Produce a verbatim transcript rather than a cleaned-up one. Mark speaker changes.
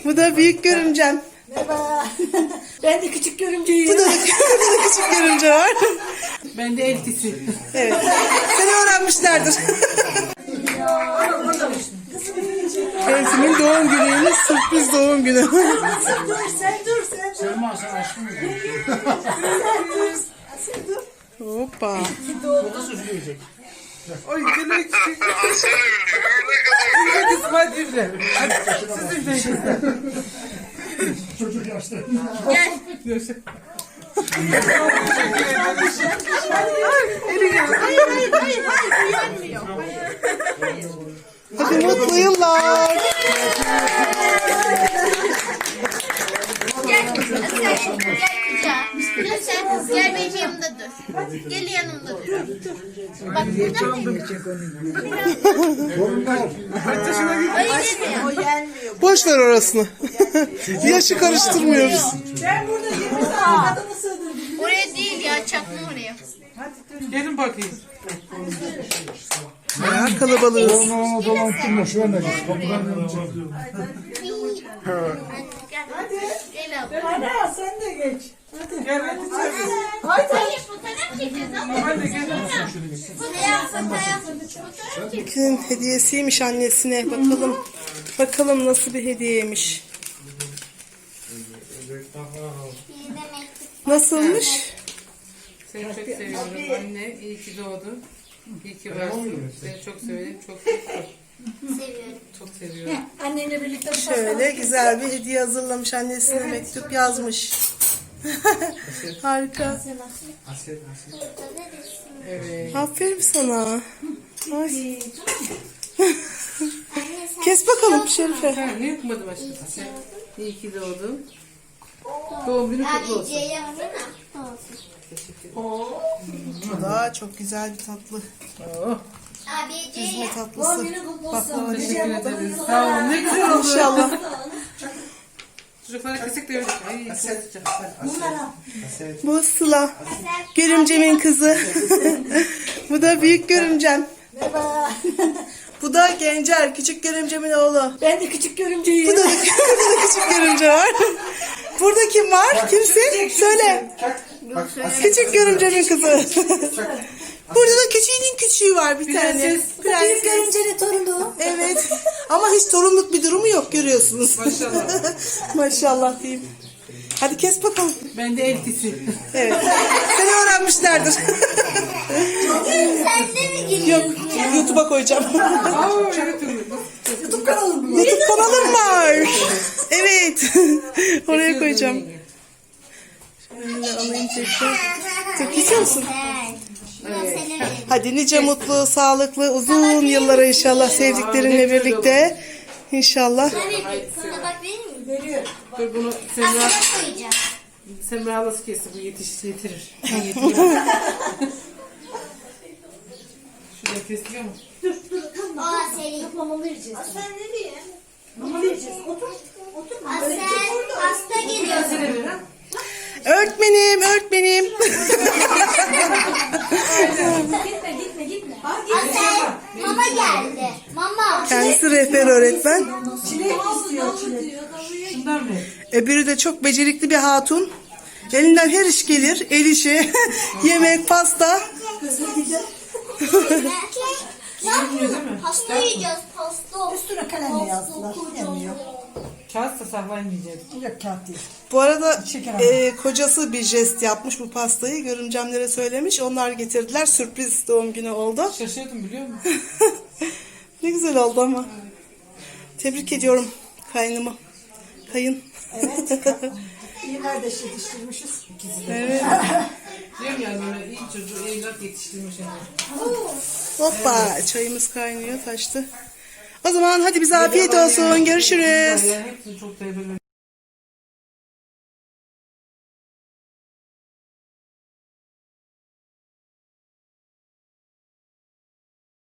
Speaker 1: Bu da büyük görümcem.
Speaker 2: Merhaba. Ben de küçük görümceyim.
Speaker 1: Bu da, burada da küçük görümce var.
Speaker 3: Ben de eltisi.
Speaker 1: Evet. Seni öğrenmişlerdir. Elti'nin doğum günüymüş. Sürpriz doğum günü.
Speaker 2: Sen dur, sen dur, sen dur.
Speaker 3: Selma sen aşkım mı?
Speaker 2: Sen dur. Sen dur.
Speaker 1: Hoppa.
Speaker 3: Çok süsleyecek.
Speaker 4: Oy gene küçük.
Speaker 3: Hadi hadi üfle. Hadi siz üfleyin.
Speaker 4: Çocuk yaşta.
Speaker 3: Yaşa.
Speaker 1: Hadi mutlu yıllar.
Speaker 5: Gel, sen gel kucağa. Sen gel benim yanımda dur. Gel yanımda dur. Bak burada mı? Hayır demiyor.
Speaker 2: O gelmiyor.
Speaker 1: Boş ver orasını. Yaşı karıştırmıyoruz.
Speaker 2: Ben burada yirmi saat adamı sığdırdım.
Speaker 5: Oraya değil ya, çakma oraya.
Speaker 3: Gelin bakayım.
Speaker 1: Ya kalabalığız.
Speaker 4: Onu dolandırma şu anda. Kapıdan
Speaker 5: Gel. Gel abla.
Speaker 2: Hadi sen de geç.
Speaker 3: Gel hadi çabuk.
Speaker 5: Hayır, fotoğraf çekeceğiz ama.
Speaker 3: Hadi gel.
Speaker 5: Fotoğraf, fotoğraf. Fotoğraf çek.
Speaker 1: Kimin hediyesiymiş annesine. Bakalım. Bakalım nasıl bir hediyeymiş. Nasılmış?
Speaker 3: Seni çok seviyorum anne. İyi ki doğdun. İyi ki varsın. Seni çok severim. Çok çok
Speaker 5: Seviyorum.
Speaker 3: çok seviyorum.
Speaker 2: Annenle birlikte bir
Speaker 1: Şöyle güzel bir hediye hazırlamış. Annesine mektup yazmış. Harika.
Speaker 3: Evet.
Speaker 1: Aferin sana. Ay. Kes bakalım Şerife.
Speaker 3: Ha, ne yapmadım aşkım sen? İyi ki doğdun. Doğum günü kutlu
Speaker 5: Abi
Speaker 3: olsun.
Speaker 5: C yapsana.
Speaker 1: Bu da çok güzel bir tatlı.
Speaker 3: Oh,
Speaker 5: Abi C
Speaker 1: Üzme
Speaker 5: yap.
Speaker 1: tatlısı. Baklava değil.
Speaker 3: teşekkür ederiz. Sağ olun. Ne güzel oldu.
Speaker 1: İnşallah.
Speaker 3: Çocuklara kesik de verdik. Ay, kesik.
Speaker 1: Bu Sıla. Görümcemin kızı. Bu da büyük görümcem.
Speaker 2: Merhaba.
Speaker 1: Bu da Gencer. Küçük görümcemin oğlu.
Speaker 2: Ben de küçük görümceyim.
Speaker 1: Bu da, burada da küçük görümce var. Burada kim var? Kimsin? Söyle. Küçük görümcemin kızı. Burada da küçüğünün küçüğü var bir tane.
Speaker 2: Büyük
Speaker 1: Prenses.
Speaker 2: görümcenin torunu.
Speaker 1: Evet. Ama hiç torunluk bir durumu yok görüyorsunuz.
Speaker 3: Maşallah.
Speaker 1: Maşallah diyeyim. Hadi kes bakalım.
Speaker 3: Ben de eltisi.
Speaker 1: Evet. Seni öğrenmişlerdir.
Speaker 5: Sen de mi gülüyorsun?
Speaker 1: Yok. YouTube'a koyacağım.
Speaker 3: Aa, evet.
Speaker 2: YouTube kanalım bu.
Speaker 1: YouTube kanalım var. Evet. Oraya koyacağım. Şöyle alayım tekrar. Çok istiyor musun?
Speaker 5: Evet.
Speaker 1: Hadi nice mutlu, sağlıklı, uzun yıllara inşallah sevdiklerinle birlikte. İnşallah.
Speaker 5: Sana bak vereyim mi?
Speaker 2: Veriyor.
Speaker 3: Dur bunu Semra,
Speaker 5: Aslına koyacağım.
Speaker 3: Semra halası kesin. Bu yetiş, yetirir. Ben yetiririm. Şurada kesiliyor mu?
Speaker 5: Aa seni.
Speaker 2: Mama vereceğiz.
Speaker 5: Sen ne diyorsun?
Speaker 2: Mama vereceğiz. Otur. Otur.
Speaker 5: Asel hasta geliyor.
Speaker 1: Öğretmenim, öğretmenim.
Speaker 2: Gitme gitme gitme.
Speaker 5: Asel mama geldi. Mama.
Speaker 1: Kendisi rehber öğretmen.
Speaker 2: Çilek istiyor çilek.
Speaker 3: Şundan mı?
Speaker 1: Öbürü de çok becerikli bir hatun. Elinden her iş gelir. El işi, yemek, pasta.
Speaker 2: Kızıl gider.
Speaker 5: Ne yapıyorsun? Pasta yiyeceğiz pasta.
Speaker 2: Üstüne kalemle yazdılar. Yemiyor.
Speaker 3: Kağıt da saklayamayacağız.
Speaker 2: Yok kağıt değil.
Speaker 1: Bu arada
Speaker 2: Şeker
Speaker 1: e, kocası bir jest yapmış bu pastayı. Görümcemlere söylemiş. Onlar getirdiler. Sürpriz doğum günü oldu.
Speaker 3: Şaşırdım biliyor musun?
Speaker 1: Ne güzel oldu ama. Tebrik ediyorum kaynımı. Kayın.
Speaker 2: Evet. İyi kardeş yetiştirmişiz. İkisi de.
Speaker 1: Evet.
Speaker 3: Diyorum ya böyle iyi çocuğu evlat yetiştirmiş yani.
Speaker 1: Hoppa çayımız kaynıyor taştı. O zaman hadi bize afiyet olsun. Görüşürüz.
Speaker 3: Yani hepsini çok seviyorum.